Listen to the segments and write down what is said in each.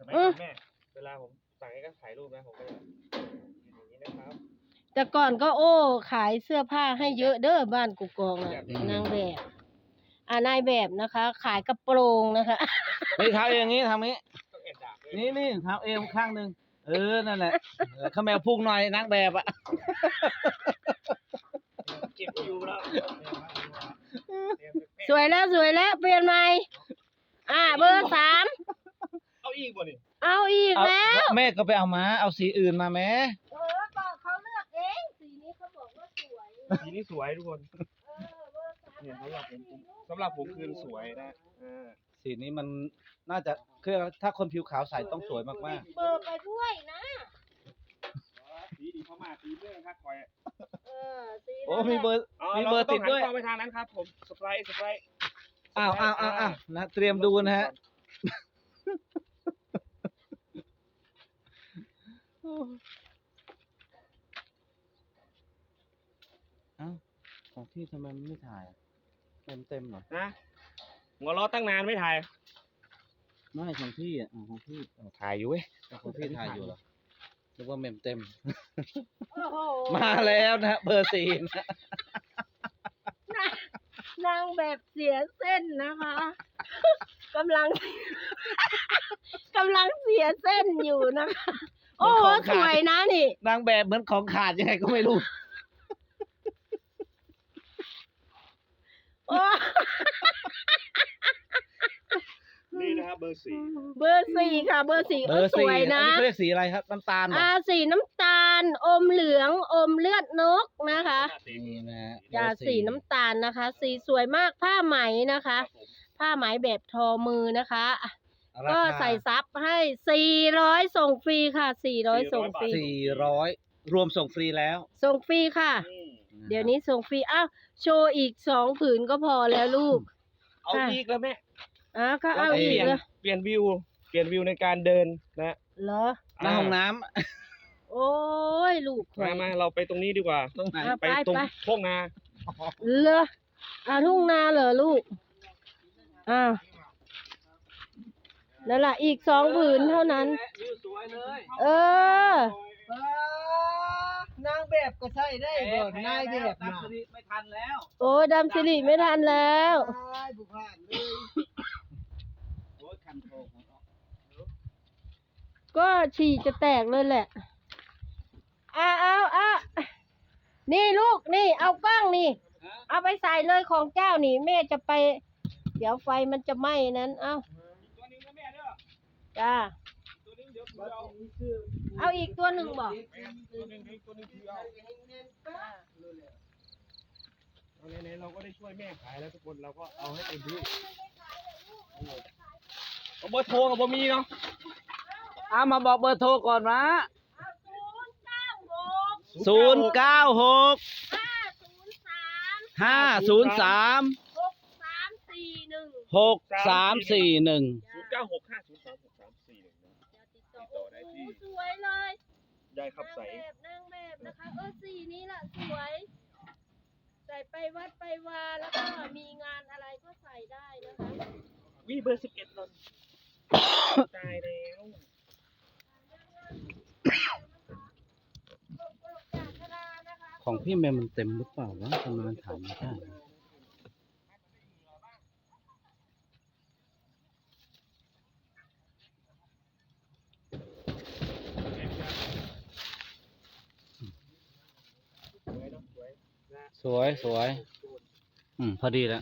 ไหมแม่เวลาผมสั่งให้ก็ถ่ายรูปนะผมก็อย่างนี้นะครับแต่ก่อนก็ขายเสื้อผ้าให้เยอะเด้อบ้านกุกองน่ะนางแบบนายแบบนะคะ ขายกระโปรงนะคะนี่ทำอย่างนี้ทำนี้ต้องแอบด่าด้วยนี่ทำเอวข้างหนึ่งนั่นแหละข้าแมวพุ่งหน่อยนางแบบอ่ะเก็บอยู่แล้วสวยแล้วเปลี่ยนใหม่เบอร์ 3 เอาอีกบ่นี่เอาอีกแล้วแม่ก็ไปเอามาเอาสีอื่นมาแม่บอกเขาเลือกเองสีนี้เขาบอกว่าสวยสีนี้สวยทุกคนเบอร์ 3 เนี่ยสำหรับผมคือสวยนะสีนี้มันน่าจะคือถ้าคนผิวขาวใส่ต้องสวยมากเบอร์ไปด้วยนะสีดีเข้ามาสีเรื่องครับคอยสีๆโอ้มีเบอร์ติดด้วยเราไปทางนั้นครับผมสไปร์อ้าวนะเตรียมดูนะฮะของพี่ทำไมมันไม่ถ่ายเต็มเหรอนะหัวล้อตั้งนานไม่ถ่ายไม่ของพี่ของพี่ถ่ายอยู่เว้ยของพี่ถ่ายอยู่เหรอนึกว่าเต็มโอ้โหมาแล้วนะเบอร์ 4นะนางแบบเสียเส้นนะคะกำลังเสียเส้นอยู่นะคะ โอ้โหสวยนะนี่นางแบบเหมือนของขาดยังไงก็ไม่รู้โอ้นี่นะครับเบอร์เบอร์ 4ค่ะเบอร์ 4 เบอร์สวย 4 นะอันนี้เขาเรียกสีอะไรครับน้ำตาลเหรอสีน้ำตาลอมเหลืองอมเลือดนกนะคะนี่นะสีน้ำตาลนะคะ สีสวยมากผ้าไหมนะคะ ผ้าไหมแบบทอมือนะคะก็ใส่ซับให้400ส่งฟรีค่ะ400ส่งฟรี 400รวมส่งฟรีแล้วส่งฟรีค่ะ เดี๋ยวนี้ส่งฟรีโชว์อีก2 ผืนก็พอแล้วลูกเอาอีกแล้วแม่ก็เอาอีกเลยเปลี่ยนวิวในการเดินนะเหรอหน้าห้องน้โอ้ยลูกมาเราไปตรงนี้ดีกว่าำตรงไหนไปตรงทุ่งนาเหรอทุ่งนาเหรอลูกนั่นแหละอีก2 ผืนเท่านั้นวิวสวยเลยนางแบบก็ใช่ได้บ่นายแบบน่ะไม่ทันแล้วโอ้ดำสิริไม่ทันแล้วตายบุผ่านเลยโอ้ยคันโทงก็ฉี่จะแตกเลยแหละนี่ลูกนี่เอากล้องนี่ เอาไปใส่เลยของเจ้านี่แม่จะไป เดี๋ยวไฟมันจะไหม้นั้นตัวนึงนะแม่เด้อจ้าตัวนึงเดี๋ยวเอาเอาอีกตัวหนึ่งบอกตัวนึงคือเอาไหนๆเราก็ได้ช่วยแม่ขายแล้วทุกคนเราก็เอาให้เต็มที่เบอร์โทรกับบ่มีเนาะมาบอกเบอร์โทรก่อนนะ 096 096 503 503 6341 6341 0965036341นะติดต่อได้ที่สวยเลยยายขับใสนางแบบนะคะสีนี้ล่ะสวย ใส่ไปวัดไปวาแล้วก็มีงานอะไรก็ใส่ได้นะคะวิเบอร์11ตอนตายแล้วของพี่แมวมันเต็มหรือเปล่าวะทำไมมันถ่ายไม่ได้สวยพอดีแล้ว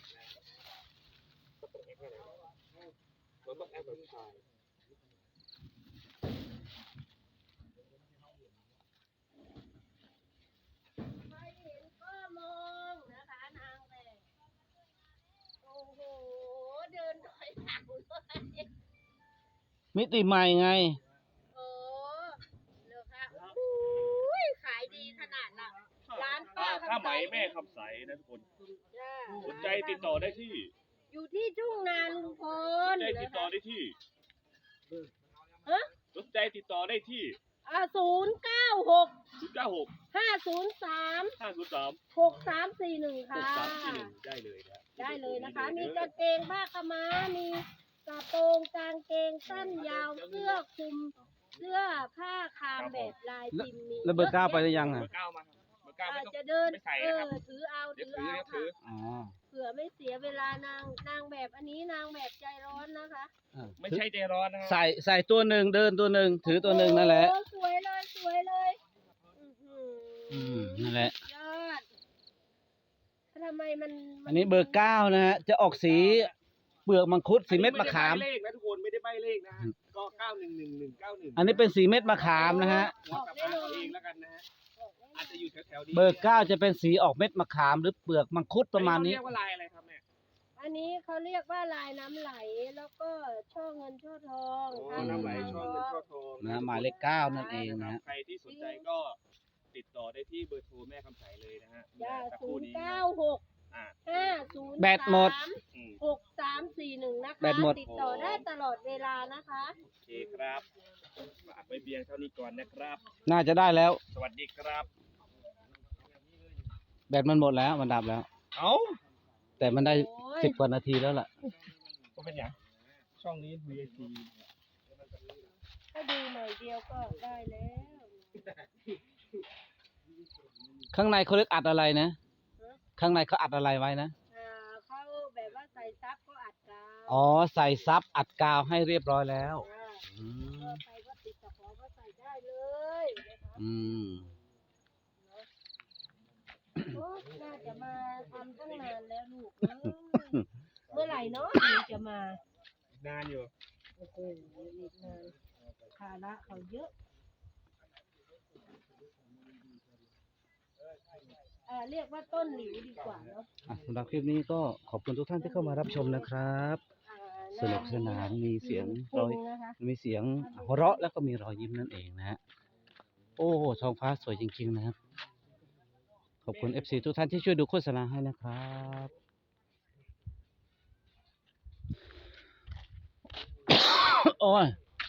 ใครเห็นก็มองนะคะนางแบบโอ้โหเดินถอยหลังเลยมิติใหม่ไงโอ้เหรอคะอุ้ยขายดีขนาดน่ะร้านป้าถ้าไหมแม่ขับใสนะทุกคนจ้าสนใจติดต่อได้ที่อยู่ที่ทุ่งนาลุงพสลนใจติดต่อได้ที่ สนใจติดต่อได้ที่ 096 096 503 503 6341 ค่ะ 6341ได้เลยนะได้เลยนะคะ มีกางเกงผ้าขาวม้ามีกระโปรงกางเกงสั้นยาวเสื้อคลุมเสื้อผ้าคามแบบลายพิมพ์มีแล้วเบอร์ 9ไปหรือยังเบอ่ะอร์เก้ามาครับเบอร์เก้าไม่ต้องจะเดินไม่ใส่นะครับถือเอาเดี๋ยวถือถือเอาเดี๋ยวถือค่ะเผื่อไม่เสียเวลานางแบบอันนี้นางแบบใจร้อนนะคะไม่ใช่ใจร้อนนะครับใส่ตัวหนึ่งเดินตัวหนึ่งถือตัวหนึ่งนั่นแหละโอ้สวยเลยสวยเลยอื้อหือนั่นแหละยอดทำไมมันอันนี้เบอร์ 9นะฮะจะออกสีเปลือกมังคุดสีเม็ดมะขามไได้ใบ้เลขนะทุกคนไม่ได้ใบเลขนะฮะก็911191 อันนี้เป็นสีเม็ดมะขามนะฮะหัวกลับมาเอาเองแล้วกันนะฮะอาจจะอยู่แถวๆนี้เบอร์ 9จะเป็นสีออกเม็ดมะขามหรือเปลือกมังคุดประมาณนี้เรียกว่าลายอะไรครับแม่อันนี้เขาเรียกว่าลายน้ำไหลแล้วก็ช่อเงินช่อทองโอ้ทางน้ำไหลทางช่องเงินช่อทองนะหมายเลข 9 นั่นเองนะฮะใครที่สนใจก็ติดต่อได้ที่เบอร์โทรแม่คำใสเลยนะฮะจ้าสักคศูรู่นย์นี้เก้าหกอ่า 50 แบตหมดอืม 6341นะคะแบตหมดติดต่อได้ตลอดเวลานะคะโอเคครับฝากไว้เบียงเท่านี้ก่อนนะครับน่าจะได้แล้วสวัสดีครับแบตมันหมดแล้วมันดับแล้วเอ้าแต่มันได้โอ้ย 10 กว่านาทีแล้วล่ะก็เป็นอย่างช่องนี้ VAT ก็ดูหน่อยเดียวก็ได้แล้วข้างในเขาเรียกอัดอะไรนะ ข้างในเขาอัดอะไรไว้นะเขาแบบว่าใส่ซับก็อัดกาวอ๋อ ใส่ซับอัดกาวให้เรียบร้อยแล้วจ้าอืมก็ใครก็ติดตะขอก็ใส่ได้เลยนะคะอืมโอ้น่าจะมาทำตั้งนานแล้วลูกเอ้ยเมื่อไหร่เนาะถึงจะมานานอยู่โอ้โหอีกนานภาระเขาเยอะเรียกว่าต้นหลิวดีกว่าเนาะสำหรับคลิปนี้ก็ขอบคุณทุกท่านที่เข้ามารับชมนะครับ สนุกสนานมีเสียงรอยนะคะมีเสียงหัวเราะแล้วก็มีรอยยิ้มนั่นเองนะฮะ โอ้โหท้องฟ้าสวยจริงๆนะครับ ขอบคุณ FC ทุกท่านที่ช่วยดูโฆษณาให้นะครับ โอ้ย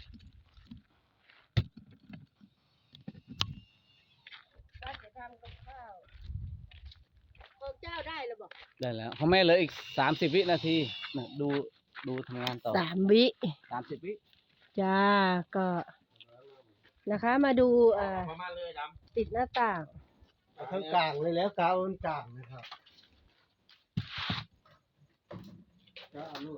ก็จะทำกับข้าวของเจ้าได้หรือเปล่าได้แล้วของแม่เหลืออีก30 วินาทีนะดูทำงานต่อ 3 วิ 30 วิจ้าก็นะคะมาดูประมาณเลยดติดหน้าต่างเอาทั้งกลางเลยแล้วกาวมันกลางนะครับก็เอาลูก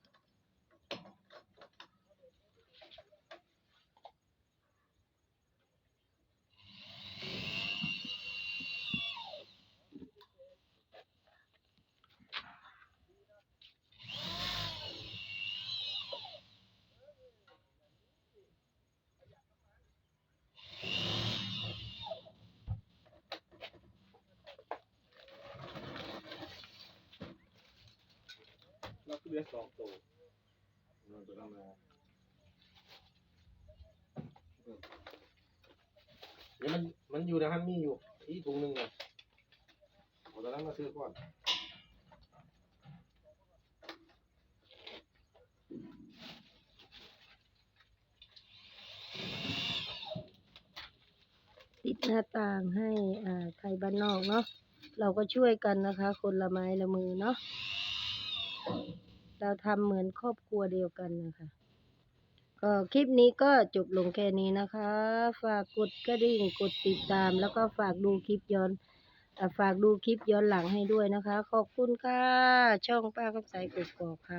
เราคือเรือ2 ตัวเดี๋ยวมันอยู่นะครับมีอยู่ที่ถุงหนึ่งเลยผมตอนนั้นมาซื้อก่อนติดหน้าต่างให้ไทยบ้านนอกเนาะเราก็ช่วยกันนะคะ คนละไม้ละมือเนาะเราทำเหมือนครอบครัวเดียวกันนะคะก็คลิปนี้ก็จบลงแค่นี้นะคะ ฝากกดกระดิ่งกดติดตาม แล้วก็ฝากดูคลิปย้อนหลังให้ด้วยนะคะ ขอบคุณค่ะ ช่องป้าคำใสกกอกค่ะ